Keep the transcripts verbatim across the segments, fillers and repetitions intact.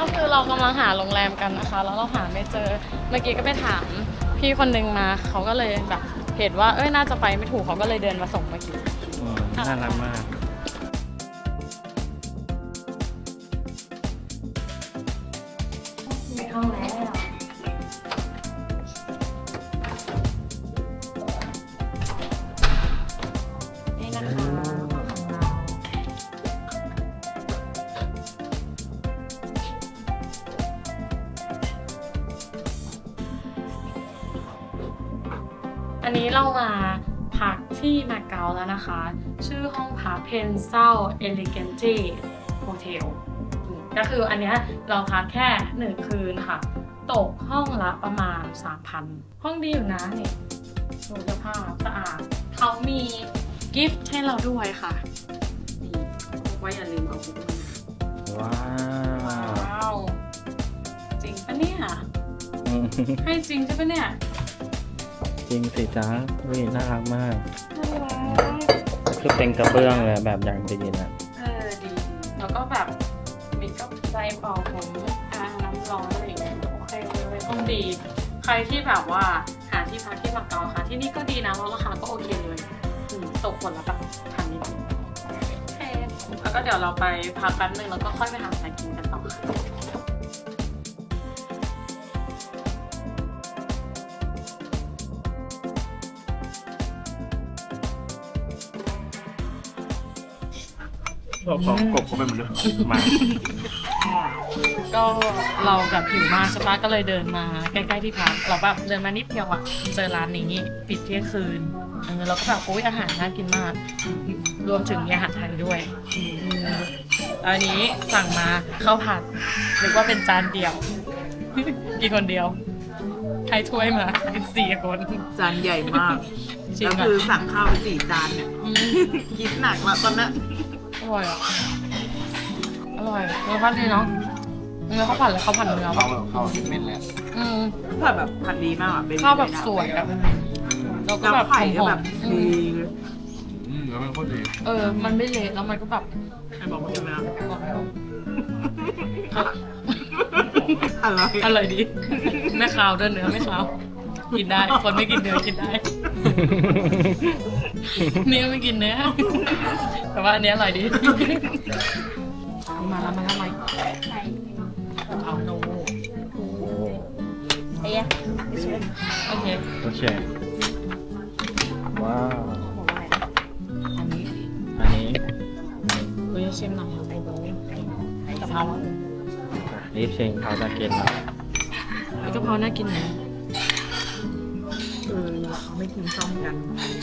ก็คือเรากำลังหาโรงแรมกันนะคะแล้วเราหาไม่เจอเมื่อกี้ก็ไปถามพี่คนนึงมาเขาก็เลยแบบเห็นว่าเอ้ยน่าจะไปไม่ถูกเขาก็เลยเดินมาส่งเมื่อกี้น่ารักมากไม่เข้าแล้วนี่นะคะของเราอันนี้เรามาพักที่มาเก๊าแล้วนะคะชื่อห้องพักเพนเซลเอลิเกนจีโฮเทลก็คืออันเนี้ยเราพักแค่หนึ่งคืนค่ะตกห้องละประมาณ สามพัน ห้องดีอยู่นะนี่ดูสภาพสะอาดเขามีกิฟต์ให้เราด้วยค่ะนี่บอกว่าอย่าลืมเอาบุ๊กมาว้าวว้าวจริงปะเนี่ยให้จริงใช่ปะเนี่ยจริงสิจ้าวิน่ารักมากน่ารักคือเป็นกระเบื้องเลยแบบอย่างดีนะเออดีแล้วก็แบบมีก็ใจเป่าผมอ่างน้ำร้อนอะไรอย่างเงี้ยโอเคเลยต้องดี ใครที่แบบว่าหาที่พักที่มาเก๊าค่ะ ที่นี่ก็ดีนะแล้วราคาก็โอเคเลยอืมตกคนละแบบพันนิดนึงโอเคแล้วก็เดี๋ยวเราไปพักแป๊บนึงแล้วก็ค่อยไปหาอะไรกินกันต่อค่ะของของกบก็เป็นเหมือนเดิมมาก็เราแบบหิวมากใช่ปะก็เลยเดินมาใกล้ๆที่พักเราแบบเดินมานิดเดียวอ่ะเจอร้านนี้ปิดเที่ยงคืนเออเราก็แบบโอ้ยอาหารน่ากินมาก รวมถึงมีอาหารไทยด้วยอืมอันนี้สั่งมาข้าวผัดนึกว่าเป็นจานเดียว กินคนเดียวให้ถ้วยมากินสี่คนจานใหญ่มากจริงแล้วอะคือสั่งข้าวไปสี่จานเนี่ยอืมคิดหนักละตอนนั้นอร่อยอ่ะอร่อยเนื้อผัดดีเนาะเนื้อข้าวผัดเลยข้าวผัดเนื้อเขาแบบเขาเม็ดแล้วอืมผัดแบบผัดดีมากอ่ะเป็นข้าวแบบสวยอะแล้วก็แล้วแบบไข่ก็หอแบมบๆอืดีมอืมแล้วมันโคตรดีเออ มันไม่เละแล้วมันก็แบบใครบอกว่าใช่ไหมบอกไม่ถูกอะไรอร่อยดี ไม่คาวด้วยเนื้อไม่คาว กินได้ คนไม่กินเนื้อกินได้ นี่ก็ไม่กินเนื้อ แต่ว่าอันนี้อร่อยดี มาแล้วมาแล้วมาเอาโนเอ้ยโอเคโอเค ว้าวอันนี้อันนี้คุยชิมหน่อยไอ้โบ๊ทกะเพรารีบชิงเขาจะกินแล้วไอ้กะเพราน่ากินนะเออเขาไม่กินส้มกัน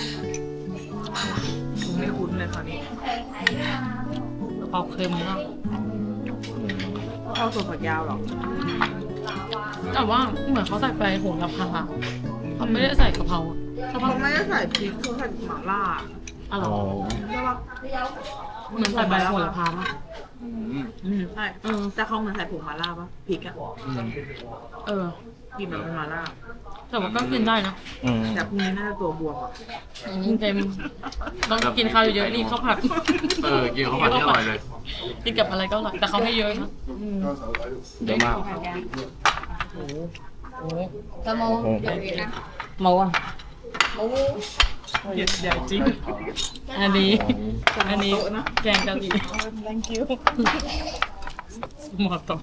ผมไม่คุ้นเลยคราวนี้กะเพราเค็มมากข้าวสดผักยาวหรอแต่ว่าเหมือนเขาใส่ไปโหระพาเขาไม่ได้ใส่กะเพราใช่ปะเขาไม่ได้ใส่พริกเขาใส่หม่าล่าอ๋อเหรโอ้อใช่ปะเหมือนใส่ใบโหระพาปะอืมอืมใช่เออแต่เขาเหมือนใส่ผงหม่าล่าปะพริกอ่ะอืมเออกินแบบเป็นหม่าล่าแต่ว่าก็กินได้นะอืมแต่พรุ่งนี้น่าจะตัวบวมอ่ะอืมเต็มต้องกินข้าวเยอะๆนี่ข้าวผัดเออกินข้าวผัดที่อร่อยเลยกินกับอะไรก็อร่อยแต่เขาให้เยอะนะเยอะมากโอ้โหกะโมโอ้โหโมอ่ะโมใหญ่ใหญ่จริง อันนี้ อันนี้แกงกะหรี่ thank you หมอตอ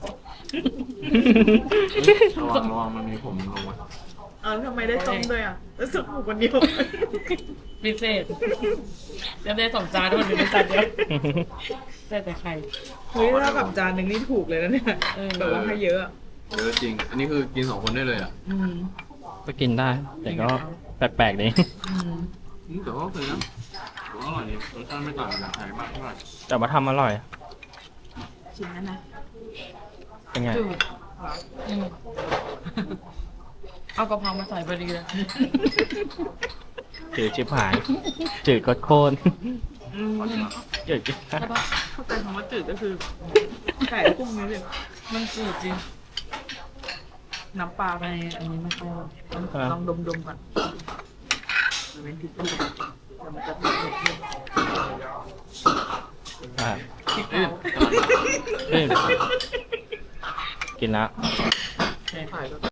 ระวังระวังมันมีผมลงมาอ้าวทำไมได้ต้มด้วยอ่ะแล้วสุกหมูคนเดียวพิเศษจะได้สองจานด้วยหรือไม่จานเดียวใส่แต่ไข่เฮ้ยถ้ากับจานหนึ่งนี่ถูกเลยนะเนี่ยเออแบบว่าให้เยอะอะเยอะจริง อันนี้คือกินสองคนได้เลยอ่ะอืมก็กินได้ แต่ก็แปลกๆดีอืมอืมแต่ว่าโอเคนะแต่ว่าอร่อยดีรสชาติไม่ต่างจากไทยมากเท่าไหร่แต่ว่าทำอร่อยชิ้นนั้นนะเป็นไงจืดอืมเอากะเพรามาใส่พอดีเลยจืดชิบหาย จืดก็โคนอืมจืดชิบหายใช่ปะเข้าใจคำว่าจืดก็คือไก่กุ้งนี่เลยมันจืดจริงน้ำปลาไปไปอันนี้ไม่ค่อยลองดมๆก่อนมันเป็นพริกด้วยแต่มันจะเผ็ดนิดอ่ะพริกเอ้ยเผาเอ้ยกินละถ่ายก็